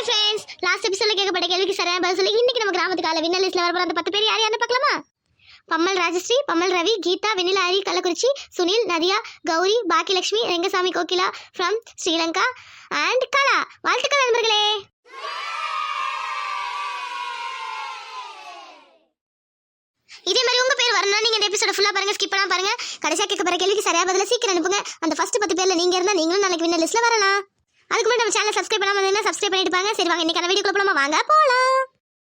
Hi friends, last எபிசோட்ல கேட்கப்பட்ட கேள்விக்கு சரியான பதில் சொல்லி இன்னைக்கு நம்ம கிராமத்து கால வின்னர் லிஸ்ட்ல வர அந்த 10 பேர் யார் யாருன்னு பார்க்கலாமா? Pammal Rajasri, Pammal Ravi, Geetha, Vennila Hari Kallakurichi, Sunil, Nadhiya, Gowri, Bhagyalakshmi, Rengasamy Kokila from Sri Lanka and Kala. வாழ்த்துக்கள் நண்பர்களே. இதே மாதிரி உங்க பேர் வரணும்னா நீங்க இந்த எபிசோட ஃபுல்லா பாருங்க, ஸ்கிப் பண்ணாம பாருங்க. கடைசியா கேட்கப்பட்ட கேள்விக்கு சரியா பதில சீக்கிரம் அனுப்புங்க. அந்த ஃபர்ஸ்ட் 10 பேர்ல நீங்க இருந்தா நீங்களும் நாளைக்கு வின்னர் லிஸ்ட்ல வரலாம். அதுக்கு முன்னாடி நம்ம சேனலை சப்ஸ்கிரைப் பண்ணாம இருந்தா சப்ஸ்கிரைப் பண்ணிட்டு பாருங்க. சரி வாங்க இன்னைக்கான வீடியோக்குள்ள போலாமா? வாங்க போலாம்.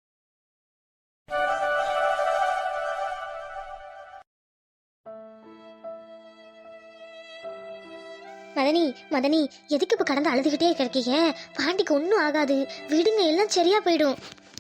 மதனி மதனி எதுக்கு இப்ப கடந்து அழுதுகிட்டே கிடைக்கீங்க? பாண்டிக்கு ஒன்றும் ஆகாது, விடுங்க, எல்லாம் சரியா போயிடும்.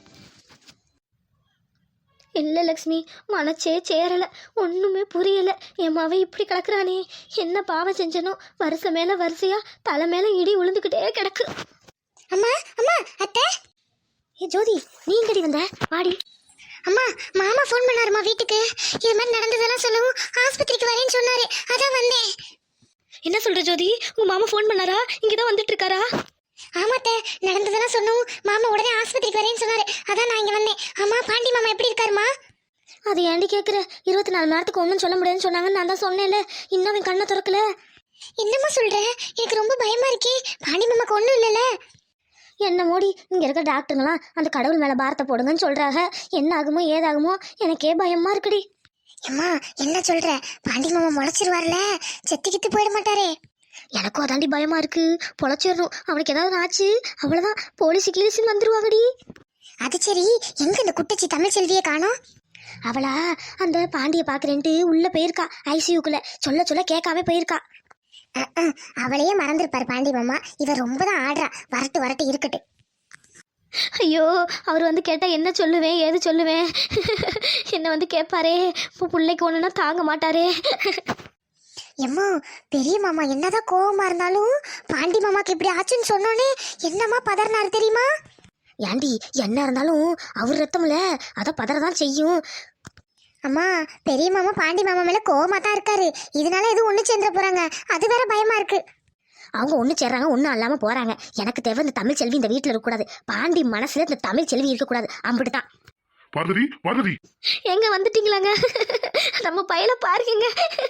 இல்லை லக்ஷ்மி, மனச்சே சேரலை, ஒன்றுமே புரியலை. என் மாவன் இப்படி கிடக்குறானே, என்ன பாவம் செஞ்சனோ? வருஷம் மேலே வரிசையா தலை மேலே இடி விழுந்துக்கிட்டே கிடக்கு. அம்மா அம்மா அத்தை. ஏ ஜோதி, நீ எங்கடி வந்த? வாடி. அம்மா, மாமா ஃபோன் பண்ணாருமா வீட்டுக்கு. இது மாதிரி நடந்ததெல்லாம் சொல்லவும் ஆஸ்பத்திரிக்கு வரேன்னு சொன்னாரு, அதான் வந்தேன். என்ன சொல்ற ஜோதி? உங்க மாமா ஃபோன் பண்ணாரா? இங்கதான் வந்துட்டு இருக்காரா? ஆமாத்த, நடந்ததெல்லாம் சொன்னோம். மாமா உடனே ஆஸ்பத்திரிக்கு வரேன்னு சொன்னாரு, அதான் நான் இங்க வந்தேன். அம்மா, பாண்டி மாமா எப்படி இருக்காருமா? அது ஏண்டி கேட்குற? 24 மணி நேரத்துக்கு ஒன்றும் சொல்ல முடியாதுன்னு சொன்னாங்கன்னு நான் தான் சொன்னேன்ல. இன்னும் அவன் கண்ணை திறக்கல. என்னம்மா சொல்ற? எனக்கு ரொம்ப பயமா இருக்கே. பாண்டி மாமாக்கு ஒன்றும் இல்லைல்ல? என்ன மோடி, இங்க இருக்க டாக்டருங்களாம் அந்த கடவுள் மேல பாரத்தை போடுங்கன்னு சொல்றாங்க. என்ன ஆகுமோ ஏதாகுமோ எனக்கே பயமா இருக்குடி. அம்மா, என்ன சொல்ற? பாண்டி மாமா முளைச்சிருவார்ல, செத்துக்கிட்டு போயிட மாட்டாரே? எனக்கும் அதாண்டி பயமா இருக்கு. பொழைச்சிடணும், அவனுக்கு ஏதாவது ஆச்சு அவ்வளவுதான், போலீஸு கீழீஸுன்னு வந்துருவாங்கடி. அது சரி, எங்க இந்த குட்டச்சி தமிழ் செல்வியை காணோம்? அவளா அந்த பாண்டியை பாக்குறேன்ட்டு உள்ள போயிருக்கா, ஐசியூக்குள்ள. சொல்ல சொல்ல கேட்காம போயிருக்கா. அவளையே மறந்துருப்பாரு பாண்டி மாமா. இவ ரொம்ப தான் ஆடுறா. வரட்டு வரட்டு இருக்கட்டு. ஐயோ, அவர் வந்து கேட்டா என்ன சொல்லுவேன், ஏது சொல்லுவேன்? என்ன வந்து கேட்பாரே, இப்போ பிள்ளைக்கு ஒண்ணுன்னா தாங்க மாட்டாரே. எம்மா, பெரிய மாமா என்னதான் கோவமா இருந்தாலும் பாண்டி மாமாக்கு இப்படி ஆச்சுன்னு சொன்னோன்னே என்னம்மா பதறினாரு தெரியுமா? ஏண்டி, என்ன இருந்தாலும் அவர் ரத்தம்ல, அத பதறதான் செய்யும். அம்மா, பெரிய மாமா பாண்டி மாமா மேல கோவமா தான் இருக்காரு. இதனால எதுவும் ஒண்ணு சேர்ந்துட போறாங்க, அது வேற பயமா இருக்கு. அவங்க ஒண்ணு சேர்றாங்க, ஒன்றும் இல்லாம போறாங்க. எனக்கு தேவை இந்த தமிழ் செல்வி இந்த வீட்டுல இருக்கக்கூடாது. பாண்டி மனசுல இந்த தமிழ் செல்வி இருக்கக்கூடாது, அம்பிட்டுதான். பார்வதி, பார்வதி, எங்க வந்துட்டீங்களாங்க? நம்ம பையல பாருங்க.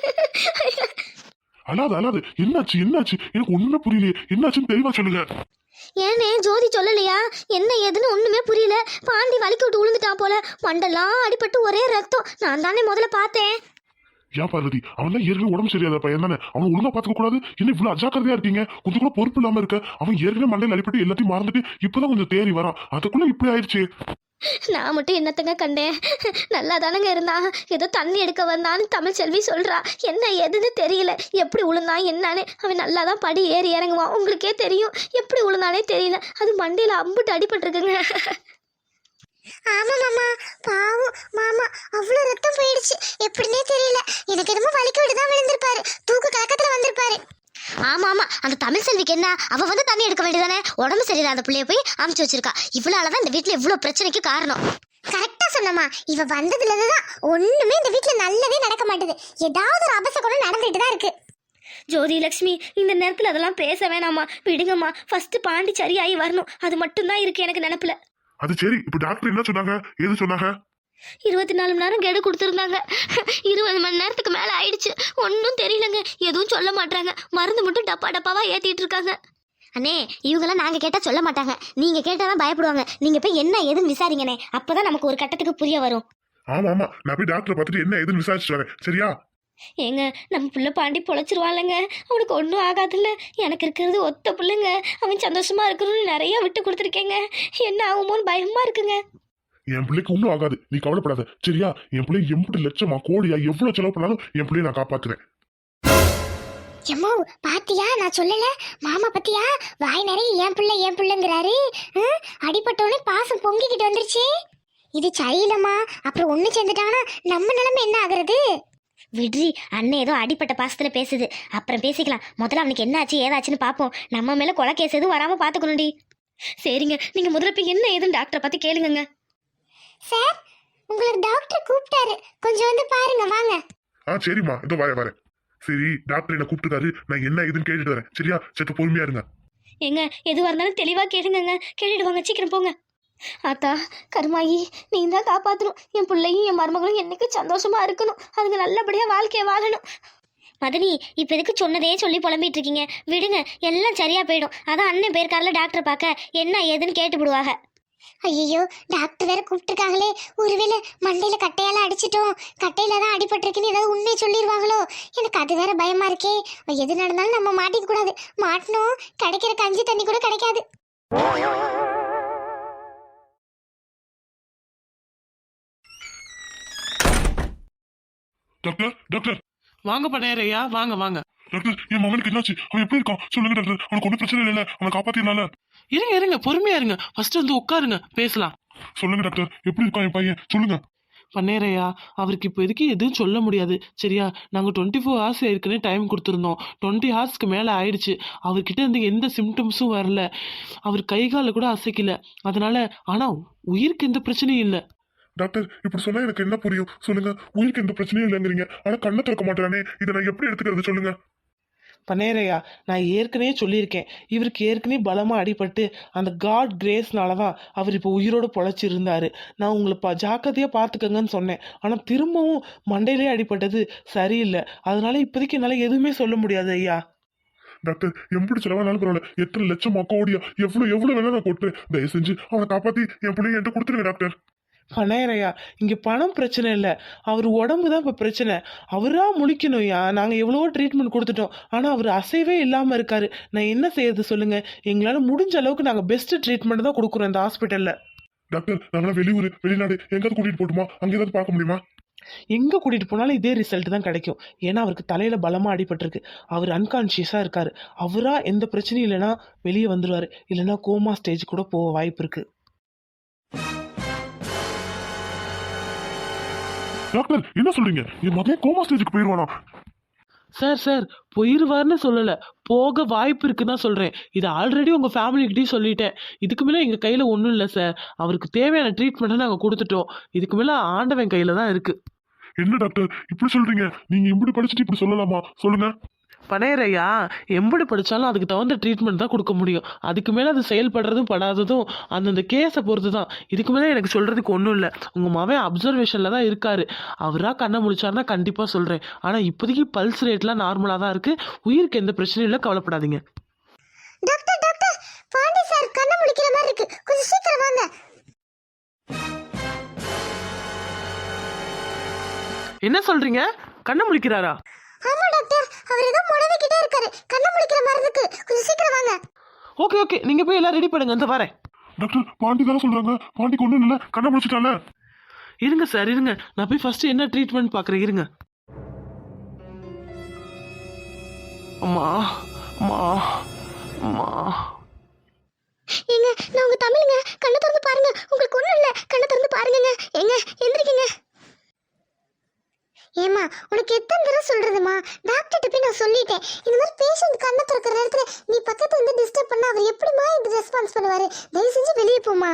அழாது அழாது. என்னாச்சு என்னாச்சு? எனக்கு ஒண்ணுமே புரியலையே. என்னாச்சுன்னு தெளிவா சொல்லுங்க. ஏனே ஜோதி சொல்லலையா? என்ன ஏதுன்னு ஒண்ணுமே புரியல. பாண்டி வலிக்கு விட்டு விழுந்துட்டான் போல, மண்டெல்லாம் அடிபட்டு ஒரே ரத்தம். நான் தானே முதல்ல பார்த்தேன். ஏன் பார்வதி, அவன் தான் ஏற்கனவே உடம்பு சரியாத பையன் தானே, அவனை ஒழுங்கா பாத்துக்க கூடாது? என்ன இவ்வளவு அஜாக்கிரதையா இருக்கீங்க? கொஞ்சம் கூட பொறுப்பு இல்லாம இருக்க. அவன் ஏற்கனவே மண்டையில் அடிபட்டு எல்லாத்தையும் மறந்துட்டு இப்பதான் கொஞ்சம் தேறி வரான், அதுக்குள்ள இப்படி ஆயிடுச்சு. நான் மட்டும் என்னத்தங்க கண்டேன்? நல்லா தானங்க இருந்தான். ஏதோ தண்ணி எடுக்க வந்தான்னு தமிழ் செல்வி சொல்றா. என்ன எதுன்னு தெரியல, எப்படி உளுந்தான் என்னன்னு. அவன் நல்லா தான் படி ஏறி இறங்குவான், உங்களுக்கே தெரியும். எப்படி உளுந்தானே தெரியல, அது மண்டையில அம்புட்டு அடிபட்டுருக்குங்க. ஆமா மாமா, பாவம் மாமா, அவ்வளவு ரத்தம் போயிடுச்சு. எப்படின்னே தெரியல. எனக்கு என்னமோ வலிக்கு விட்டு தான் விழுந்திருப்பாரு, தூக்கு கலக்கத்துல வந்திருப்பாரு. ஆமா ஆமா, அந்த தமிழ் செல்விக்கு என்ன, அவ வந்து தண்ணி எடுக்க வேண்டியதானே? உடம்பு சரியில்லாத பிள்ளைய போய் அமுச்சு வச்சிருக்கா. இவ்வளவுதான் இந்த வீட்டுல இவ்வளவு பிரச்சனைக்கு காரணம். கரெக்டா சொன்னமா, இவ வந்ததுல இருந்துதான் ஒண்ணுமே இந்த வீட்டுல நல்லவே நடக்க மாட்டேது. ஏதாவது ஒரு அபசகுணம் நடந்துட்டு தான் இருக்கு. ஜோதி லட்சுமி, இந்த நேரத்துல அதெல்லாம் பேச வேணாமா, விடுங்கம்மா. ஃபர்ஸ்ட் பாண்டி சரியாயி வரணும், அது மட்டும் தான் இருக்கு எனக்கு நினைப்புல. அது சரி, இப்ப டாக்டர் என்ன சொன்னாங்க, ஏது சொன்னாங்க? 24 மணி நேரம் கெடு கொடுத்துருந்தாங்க. 20 மணி நேரத்துக்கு மேல ஆயிடுச்சு, ஒன்றும் தெரியலங்க. எதுவும் சொல்ல மாட்டாங்க, மருந்து மட்டும் டப்பா டப்பாவா ஏத்திட்டு இருக்காங்க. அண்ணே, இவங்கெல்லாம் நாங்க கேட்டா சொல்ல மாட்டாங்க, நீங்க கேட்டாதான் பயப்படுவாங்க. நீங்க போய் என்ன ஏதுன்னு விசாரிங்கண்ணே, அப்பதான் நமக்கு ஒரு கட்டத்துக்கு புரிய வரும். ஆமா ஆமா, நான் போய் டாக்டரை பார்த்துட்டு என்ன ஏதுன்னு விசாரிச்சுட்டு வரேன், சரியா? ஏங்க, நம்ம புள்ள பாண்டி பொழைச்சிருவான்லங்க, அவனுக்கு ஒன்றும் ஆகாதுல்ல. எனக்கு இருக்கிறது ஒத்த பிள்ளைங்க, அவன் சந்தோஷமா இருக்கணும்னு நிறைய விட்டு கொடுத்துருக்கேங்க. என்ன ஆகுமோன்னு பயமா இருக்குங்க. என் பிள்ளைக்கு ஒன்றும் ஆகாது, நீ கவலைப்படாத, சரியா? என் பிள்ளை 80 லட்சமா கோடியா எவ்வளவு செலவு பண்ணாலும் என் பிள்ளைய நான் காப்பாத்துறேன். எம்மோ, பாத்தியா, நான் சொல்லல மாமா பத்தியா? வாய் நிறைய என் பிள்ளைங்கிறாரு. அடிபட்டோன்னு பாசம் பொங்கிக்கிட்டு வந்துருச்சு. இது சரியில்லம்மா, அப்புறம் ஒண்ணு சேர்ந்துட்டாங்கன்னா நம்ம நிலைமை என்ன ஆகுறது? விட்ரி, அண்ணன் ஏதோ அடிப்பட்ட பாசத்துல பேசுது, அப்புறம் பேசிக்கலாம். முதல்ல அவனுக்கு என்ன ஆச்சு ஏதாச்சுன்னு பாப்போம். நம்ம மேல கொலை கேஸ் எதுவும் வராம பாத்துக்கணும்டி. சரிங்க, நீங்க முதல்ல போய் என்ன ஏதுன்னு டாக்டரை பத்தி கேளுங்க. சார், உங்களுக்கு டாக்டர் கூப்பிட்டாரு, கொஞ்சம் வந்து பாருங்க வாங்க. சரிம்மா, இதோ வரேன். சரி, டாக்டர் என்ன கூப்பிட்டுருக்காரு, நான் என்ன ஏதுன்னு கேட்டுட்டு வரேன், சரியா? சற்று பொறுமையா இருங்க. ஏங்க எதுவாக இருந்தாலும் தெளிவாக கேளுங்கங்க. கேட்டுட்டு வாங்க, சீக்கிரம் போங்க. ஆத்தா கருமாயி, நீ தான் காப்பாற்றணும். என் பிள்ளையும் என் மருமகளும் என்னைக்கு சந்தோஷமா இருக்கணும். அதுங்க நல்லபடியாக வாழ்க்கையை வாழணும். மதனி, இப்போ எதுக்கு சொன்னதே சொல்லி புலம்பிட்டு இருக்கீங்க? விடுங்க, எல்லாம் சரியா போயிடும். அதான் அண்ணன் போயிருக்காருல டாக்டர் பார்க்க, என்ன ஏதுன்னு கேட்டு விடுவாங்க. ஐயோ, டாக்டர் வேற கூப்பிட்டுருக்காங்களே. ஒருவேளை மண்டையில கட்டையால அடிச்சிட்டோம், கட்டையில தான் அடிபட்டிருக்குன்னு ஏதாவது உண்மையை சொல்லிடுவாங்களோ? எனக்கு அது வேற பயமா இருக்கே. எது நடந்தாலும் நம்ம மாட்டிக்க கூடாது. மாட்டினோம் கிடைக்கிற கஞ்சி தண்ணி கூட கிடைக்காது. டாக்டர் டாக்டர் வாங்க பண்ணையரையா, வாங்க வாங்க. டாக்டர், என் மகனுக்கு என்னாச்சு? அவன் எப்படி இருக்கான் சொல்லுங்க டாக்டர். அவனுக்கு ஒன்றும் பிரச்சனை இல்லை, அவனை காப்பாத்தினால. இருங்க இருங்க, பொறுமையா இருங்க. ஃபர்ஸ்ட் வந்து உட்காருங்க, பேசலாம். சொல்லுங்க டாக்டர், எப்படி இருக்கான் என் பையன் சொல்லுங்க. பண்ணையரையா, அவருக்கு இப்போ எதுக்கு எதுவும் சொல்ல முடியாது சரியா? நாங்கள் 24 ஹவர்ஸ் ஏற்கனவே டைம் கொடுத்துருந்தோம். 20 ஹவர்ஸ்க்கு மேலே ஆயிடுச்சு. அவர்கிட்ட இருந்து எந்த சிம்டம்ஸும் வரல. அவர் கை காலை கூட அசைக்கல. அதனால ஆனால் உயிருக்கு எந்த பிரச்சனையும் இல்லை. டாக்டர், இப்படி சொன்னா எனக்கு என்ன புரியும் சொல்லுங்க? உயிருக்கு எந்த பிரச்சனையும் இல்லைங்கிறீங்க, ஆனா கண்ணை திறக்க மாட்டானே. இதை நான் எப்படி எடுத்துக்கிறது சொல்லுங்க? பண்ணையரையா, நான் ஏற்கனவே சொல்லியிருக்கேன், இவருக்கு ஏற்கனவே பலமாக அடிபட்டு அந்த காட் கிரேஸ்னால தான் அவர் இப்போ உயிரோடு பொழைச்சிருந்தாரு. நான் உங்களை ஜாக்கிரதையாக பார்த்துக்கங்கன்னு சொன்னேன். ஆனால் திரும்பவும் மண்டையிலே அடிபட்டது சரியில்லை. அதனால இப்போதைக்கு என்னால் எதுவுமே சொல்ல முடியாது ஐயா. டாக்டர், எப்படி செலவானாலும் பரவாயில்ல, எத்தனை லட்சம் கோடியா எவ்வளவு வேணா நான் கொட்டுறேன். தயவு செஞ்சு அவனை காப்பாத்தி என் பிள்ளைங்க என்கிட்ட கொடுத்துருங்க டாக்டர். பண்ணையரையா, இங்கே பணம் பிரச்சனை இல்லை, அவர் உடம்பு தான் இப்போ பிரச்சனை. அவராக முழிக்கணும்யா. நாங்கள் எவ்வளவோ ட்ரீட்மெண்ட் கொடுத்துட்டோம், ஆனால் அவர் அசைவே இல்லாமல் இருக்காரு. நான் என்ன செய்யறது சொல்லுங்கள்? எங்களால் முடிஞ்ச அளவுக்கு நாங்கள் பெஸ்ட் ட்ரீட்மெண்ட் தான் கொடுக்குறோம் இந்த ஹாஸ்பிட்டலில். டாக்டர், நாங்களாம் வெளியூர் வெளிநாடு எங்காவது கூட்டிட்டு போட்டுமா? அங்கே ஏதாவது பார்க்க முடியுமா? எங்கே கூட்டிகிட்டு போனாலும் இதே ரிசல்ட் தான் கிடைக்கும். ஏன்னா அவருக்கு தலையில் பலமாக அடிபட்டிருக்கு. அவர் அன்கான்ஷியஸாக இருக்கார். அவராக எந்த பிரச்சனையும் இல்லைன்னா வெளியே வந்துடுவார். இல்லைன்னா கோமா ஸ்டேஜ் கூட போக வாய்ப்பு இருக்குது. டாக்டர், என்ன சொல்றீங்க? என் மகன் கோமா ஸ்டேஜுக்கு போயிடுவானா? சார் போயிடுவார்னு சொல்லலை, போக வாய்ப்பு இருக்குன்னு தான் சொல்கிறேன். இது ஆல்ரெடி உங்கள் ஃபேமிலிக்கிட்டையும் சொல்லிட்டேன். இதுக்கு மேலே எங்கள் கையில் ஒன்றும் இல்லை சார். அவருக்கு தேவையான ட்ரீட்மெண்ட்டை நாங்கள் கொடுத்துட்டோம். இதுக்கு மேலே ஆண்டவன் கையில் தான் இருக்குது. என்ன டாக்டர் இப்படி சொல்றீங்க? நீங்க இப்படி படிச்சுட்டு இப்படி சொல்லலாமா சொல்லுங்க? பண்ணையரையா, எம்படி படித்தாலும் அதுக்கு தகுந்த ட்ரீட்மெண்ட் தான் கொடுக்க முடியும். அதுக்கு மேலே அது செயல்படுறதும் படாததும் அந்தந்த கேஸை பொறுத்து தான். இதுக்கு மேலே எனக்கு சொல்கிறதுக்கு ஒன்றும் இல்லை. உங்கள் மகன் அப்சர்வேஷனில் தான் இருக்கார். அவராக கண்ணை முழிச்சாருன்னா கண்டிப்பாக சொல்கிறேன். ஆனால் இப்போதைக்கு பல்ஸ் ரேட்லாம் நார்மலாக தான் இருக்குது. உயிருக்கு எந்த பிரச்சனையும் இல்லை, கவலைப்படாதீங்க. டாக்டர் டாக்டர், பாண்டி சார் கண்ணை முழிக்கிற மாதிரி இருக்கு, கொஞ்சம் சீக்கிரம் வாங்க. என்ன சொல்கிறீங்க? கண்ணை முழிக்கிறாரா? ஆமா டாக்டர், அவர் ஏதோ முடவிக்கிட்டே இருக்காரு, கண்ணை முழிக்கிற மாதிரி இருக்கு, கொஞ்சம் சீக்கிரம் வாங்க. ஓகே நீங்கள் போய் எல்லாம் ரெடி பண்ணுங்க, இந்த வரேன். டாக்டர், பாண்டி தானே சொல்றாங்க. பாண்டிக்கு ஒன்றும் இல்லை, கண்ணை முடிச்சுட்டால. இருங்க சார், இருங்க, நான் போய் ஃபர்ஸ்ட் என்ன ட்ரீட்மெண்ட் பார்க்குறேன். இருங்க. அம்மா அம்மா அம்மா. ஏங்க, நான் உங்க தமிழுங்க, கண்ணை திறந்து பாருங்க. உங்களுக்கு ஒண்ணும் இல்ல, கண்ணை திறந்து பாருங்கங்க. ஏங்க எந்திரிக்கங்க. ஏமா, உனக்கு எத்தனை தடவை சொல்றதுமா? டாக்டர்கிட்ட போய் நான் சொல்லிட்டேன், இந்த மாதிரி பேஷண்ட் கண்ணை திறக்கிற நேரத்துல நீ பக்கத்துல இருந்து டிஸ்டர்ப் பண்ணா அவர் எப்படிமா இது ரெஸ்பான்ஸ் பண்ணுவாரு? தயவு செஞ்சு வெளியே போமா.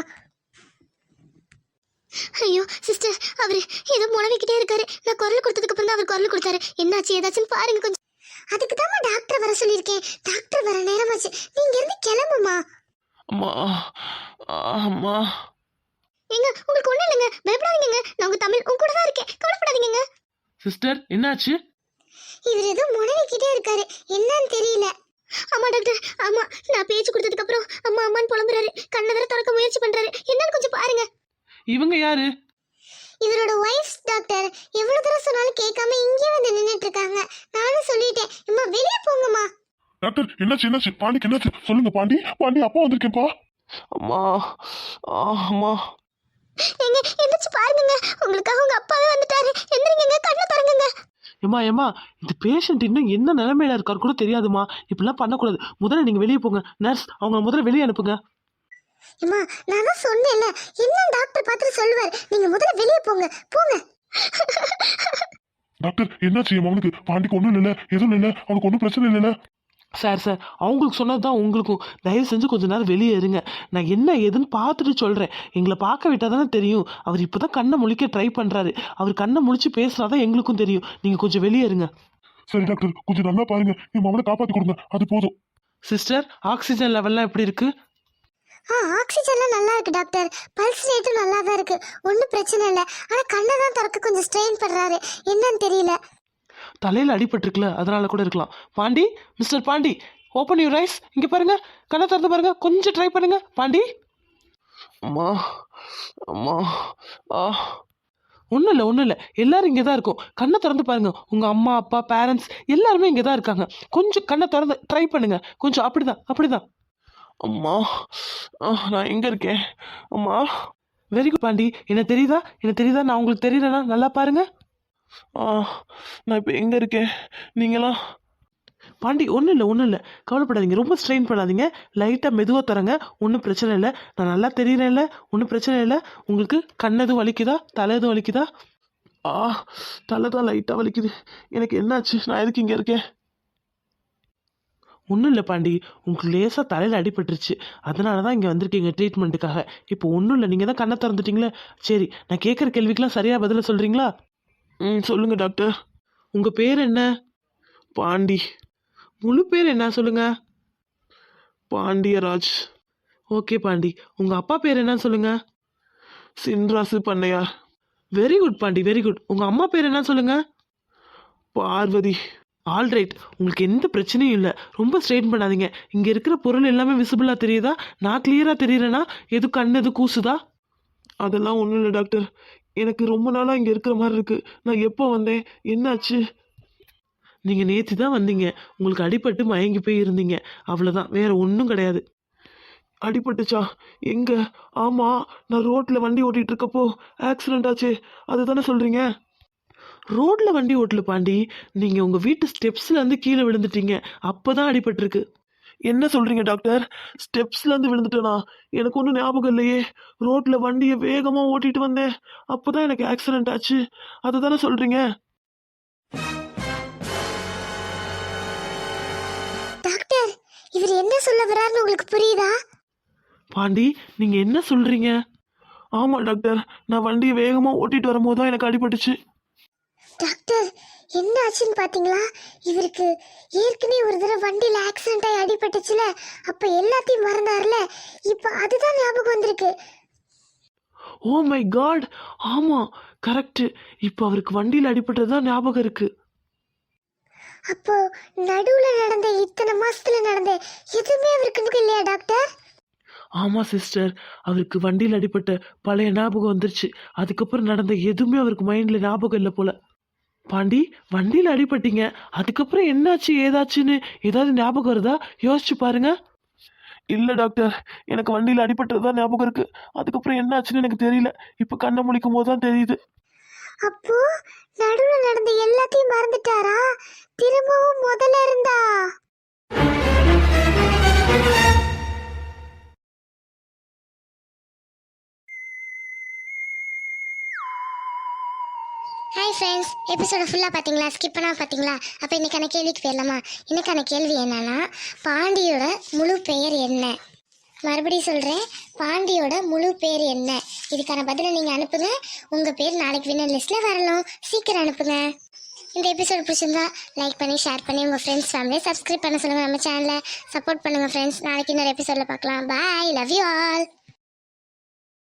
ஐயோ சிஸ்டர், அவரு ஏதோ முழவிக்கிட்டே இருக்காரு. நான் குரல் கொடுத்ததுக்கு அப்புறம் தான் அவர் குரல் கொடுத்தாரு. என்னாச்சு ஏதாச்சும் பாருங்க கொஞ்சம். அதுக்கு தான் டாக்டர் வர சொல்லியிருக்கேன். டாக்டர் வர நேரமாச்சு, நீங்க இருந்து கிளம்புமா. அம்மா அம்மா. ஏங்க, உங்களுக்கு ஒண்ணும் இல்லைங்க, பயப்படாதீங்க. நான் உங்க தமிழ் உங்க கூட தான் இருக்கேன், கவலைப்படாதீங்க. சிஸ்டர், என்னாச்சு? இவர் ஏதோ முடவிக்கிட்டே இருக்காரு, என்னன்னு தெரியல. ஆமா டாக்டர், ஆமா, நான் பேச்சு கொடுத்ததுக்கு அப்புறம் அம்மா அம்மான்னு புலம்புறாரு. கண்ணை வேற திறக்க முயற்சி பண்றாரு. என்னன்னு கொஞ்சம் பாருங்க. இவங்க யாரு? இவரோட ஒய்ஃப் டாக்டர். எவ்வளவு தூரம் சொன்னாலும் கேட்காம இங்கே வந்து நின்னுட்டு இருக்காங்க. நானும் சொல்லிட்டேன், அம்மா வெளியே போங்கம்மா. டாக்டர், என்னாச்சு? பாண்டிக்கு என்னாச்சு சொல்லுங்க? பாண்டி அப்பா வந்திருக்கேன்ப்பா. அம்மா அம்மா. ஏங்க எந்திரிச்சு பாருங்க, உங்களுக்காக உங்க அப்பாவே வந்துட்டாரு. எந்திரிங்க, கண்ணை திறங்குங்க. ஏம்மா, இந்த பேஷண்ட் இன்னும் என்ன நிலைமையில இருக்காரு கூட தெரியாதுமா. இப்படிலாம் பண்ணக்கூடாது. முதல்ல நீங்க வெளியே போங்க. நர்ஸ், அவங்க முதல்ல வெளியே அனுப்புங்க. அம்மா, நான் தான் சொன்னேன்ல, என்ன டாக்டர் பார்த்துட்டு சொல்லுவார். நீங்க முதல்ல வெளியே போங்க. டாக்டர், என்னாச்சு என் மகனுக்கு? பாண்டிக்கு ஒன்றும் இல்லை, எதுவும் இல்லை, அவனுக்கு ஒன்றும் பிரச்சனை இல்லைல்ல? சார் அவங்களுக்கு சொன்னது தான் உங்களுக்கும். தயவு செஞ்சு கொஞ்ச நேரம் வெளியே இருங்க. நான் என்ன ஏதுன்னு பார்த்துட்டு சொல்கிறேன். எங்களை பார்க்க விட்டால் தானே தெரியும். அவர் இப்போ தான் கண்ணை முழிக்க ட்ரை பண்ணுறாரு. அவர் கண்ணை முழிச்சு பேசுனா தான் எங்களுக்கும் தெரியும். நீங்கள் கொஞ்சம் வெளியே இருங்க. சரி டாக்டர், கொஞ்சம் நல்லா பாருங்க, என் மகனை காப்பாற்றி கொடுங்க, அது போதும். சிஸ்டர் ஆக்சிஜன் லெவல்லாம் எப்படி இருக்கு? ஆக்சிஜன்லாம் நல்லா இருக்கு டாக்டர். பல்ஸ் ரேட்டும் நல்லா தான் இருக்கு. ஒன்றும் பிரச்சனை இல்லை. ஆனால் கண்ணை தான் திறக்க கொஞ்சம் ஸ்ட்ரெயின் பண்றாரு. என்னன்னு தெரியல. தலையில் அடிபட்டிருக்குல, அதனால கூட இருக்கலாம். Pandi, mister Pandi, open your eyes. இங்கே பாருங்க, கண்ணை திறந்து பாருங்க, கொஞ்சம் ட்ரை பண்ணுங்க. பாண்டி, அம்மா அம்மா ஒன்றும் இல்லை, எல்லாரும் இங்கே தான் இருக்கும். கண்ணை திறந்து பாருங்க. உங்கள் அம்மா அப்பா பேரண்ட்ஸ் எல்லாருமே இங்கே தான் இருக்காங்க. கொஞ்சம் கண்ணை திறந்து ட்ரை பண்ணுங்க. கொஞ்சம் அப்படிதான். அம்மா, நான் எங்கே இருக்கேன்? அம்மா. Very good Pandi. எனக்கு தெரியுதா? நான் உங்களுக்கு தெரியலனா நல்லா பாருங்க. நான் இப்போ எங்கே இருக்கேன்? நீங்களாம் பாண்டி ஒன்றும் இல்லை, கவலைப்படாதீங்க, ரொம்ப ஸ்ட்ரெயின் பண்ணாதீங்க. லைட்டாக மெதுவாக தரங்க, ஒன்றும் பிரச்சனை இல்லை. நான் நல்லா தெரியுறேன்ல, ஒன்றும் பிரச்சனை இல்லை. உங்களுக்கு கண் எதுவும் வலிக்குதா? தலை எதுவும் வலிக்குதா? தலை தான் லைட்டாக வலிக்குது. எனக்கு என்னாச்சு? நான் எதுக்கு இங்கே இருக்கேன்? ஒன்றும் இல்லை பாண்டி, உங்களுக்கு லேசாக தலையில் அடிபட்டுருச்சு, அதனால தான் இங்கே வந்திருக்கீங்க ட்ரீட்மெண்ட்டுக்காக. இப்போ ஒன்றும் இல்லை, நீங்கள் தான் கண்ணை திறந்துட்டீங்களே. சரி, நான் கேட்குற கேள்விக்கெலாம் சரியாக பதில சொல்கிறீங்களா? சொல்லுங்கள் டாக்டர். உங்கள் பேர் என்ன? பாண்டி. முழு பேர் என்ன சொல்லுங்க? பாண்டியராஜ். ஓகே பாண்டி. உங்கள் அப்பா பேர் என்ன சொல்லுங்க? Chinrasu Pannaiyar. Very good Pandi, very good. உங்கள் அம்மா பேர் என்ன சொல்லுங்க? பார்வதி. ஆல்ரைட், உங்களுக்கு எந்த பிரச்சனையும் இல்லை. ரொம்ப ஸ்ட்ரெயின் பண்ணாதீங்க. இங்கே இருக்கிற பொருள் எல்லாமே விசிபிளாக தெரியுதா? நான் கிளியராக தெரியுறேன்னா எது கண் எது கூசுதா? அதெல்லாம் ஒன்றும் இல்லை டாக்டர். எனக்கு ரொம்ப நாளாக இங்கே இருக்கிற மாதிரி இருக்குது. நான் எப்போ வந்தேன்? என்னாச்சு? நீங்கள் நேற்று தான் வந்தீங்க. உங்களுக்கு அடிபட்டு மயங்கி போய் இருந்தீங்க, அவ்வளோதான், வேறு ஒன்றும் கிடையாது. அடிபட்டுச்சா? எங்கே? ஆமாம், நான் ரோட்டில் வண்டி ஓட்டிகிட்டு இருக்கப்போ ஆக்சிடெண்ட் ஆச்சு, அதுதானே சொல்கிறீங்க? ரோட்டில் வண்டி ஓட்டல பாண்டி, நீங்கள் உங்கள் வீட்டு ஸ்டெப்ஸ்லேருந்து கீழே விழுந்துட்டீங்க, அப்போ தான் அடிபட்டிருக்கு. என்ன சொல்கிறீங்க டாக்டர்? ஸ்டெப்ஸ்லேருந்து விழுந்துட்டேனா? எனக்கு ஒன்றும் ஞாபகம் இல்லையே. ரோட்டில் வண்டியை வேகமாக ஓட்டிகிட்டு வந்தேன், அப்போ தான் எனக்கு ஆக்சிடெண்ட் ஆச்சு, அதை தானே சொல்கிறீங்க? டாக்டர், இவர் என்ன சொல்ல வர்றாருன்னு உங்களுக்கு புரியுதா? பாண்டி, நீங்கள் என்ன சொல்கிறீங்க? ஆமாம் டாக்டர், நான் வண்டியை வேகமாக ஓட்டிகிட்டு வரும்போது தான் எனக்கு அடிபட்டுச்சு. டாக்டர், என்ன ஆச்சுன்னு பாத்தீங்களா? இவருக்கு ஏற்கனவே ஒரு தடவை வண்டியில ஆக்சிடென்ட் ஆகி அடிபட்டுச்சுல, அப்ப எல்லாத்தையும் மறந்தாருல, இப்ப அதுதான் ஞாபகம் வந்திருக்கு. ஓ மை காட், ஆமாம் கரெக்டு. இப்போ அவருக்கு வண்டியில் அடிபட்டது தான் ஞாபகம் இருக்கு. அப்போ நடுவுல நடந்த இத்தனை மாசத்துல நடந்த எதுவுமே அவருக்கு இல்லையா டாக்டர்? ஆமாம் சிஸ்டர், அவருக்கு வண்டியில் அடிபட்ட பழைய ஞாபகம் வந்துருச்சு. அதுக்கப்புறம் நடந்த எதுவுமே அவருக்கு மைண்டில் ஞாபகம் இல்லை போல. பாண்டி, வண்டியில் அடிபட்டீங்க, அதுக்கப்புறம் என்னாச்சு ஏதாச்சுன்னு ஏதாவது ஞாபகம் வருதா? யோசிச்சு பாருங்க. இல்லை டாக்டர், எனக்கு வண்டியில் அடிபட்டது தான் ஞாபகம் இருக்கு. அதுக்கப்புறம் என்னாச்சுன்னு எனக்கு தெரியல. இப்போ கண்ணை முழிக்கும் போது தான் தெரியுது. அப்போ நடுவுல நடந்த எல்லாத்தையும் மறந்துட்டாரா? திரும்பவும் முதல்ல இருந்தா? ஹாய் ஃப்ரெண்ட்ஸ், எபிசோட ஃபுல்லாக பார்த்தீங்களா? ஸ்கிப் பண்ணால் பார்த்தீங்களா? அப்போ இன்னைக்கான கேள்விக்கு போயிடலாமா? இன்னைக்கான கேள்வி என்னன்னா, பாண்டியோட முழு பெயர் என்ன? மறுபடியும் சொல்கிறேன், பாண்டியோட முழு பேர் என்ன? இதுக்கான பதிலை நீங்கள் அனுப்புங்க. உங்கள் பேர் நாளைக்கு வின்னர் லிஸ்ட்டில் வரலாம். சீக்கிரம் அனுப்புங்க. இந்த எபிசோட் பிடிச்சிருந்தா லைக் பண்ணி ஷேர் பண்ணி உங்கள் ஃப்ரெண்ட்ஸ் ஃபேமிலியை சப்ஸ்கிரைப் பண்ண சொல்லுங்கள். நம்ம சேனலை சப்போர்ட் பண்ணுங்கள் ஃப்ரெண்ட்ஸ். நாளைக்கு இன்னொரு எபிசோடில் பார்க்கலாம். Bye, love you all.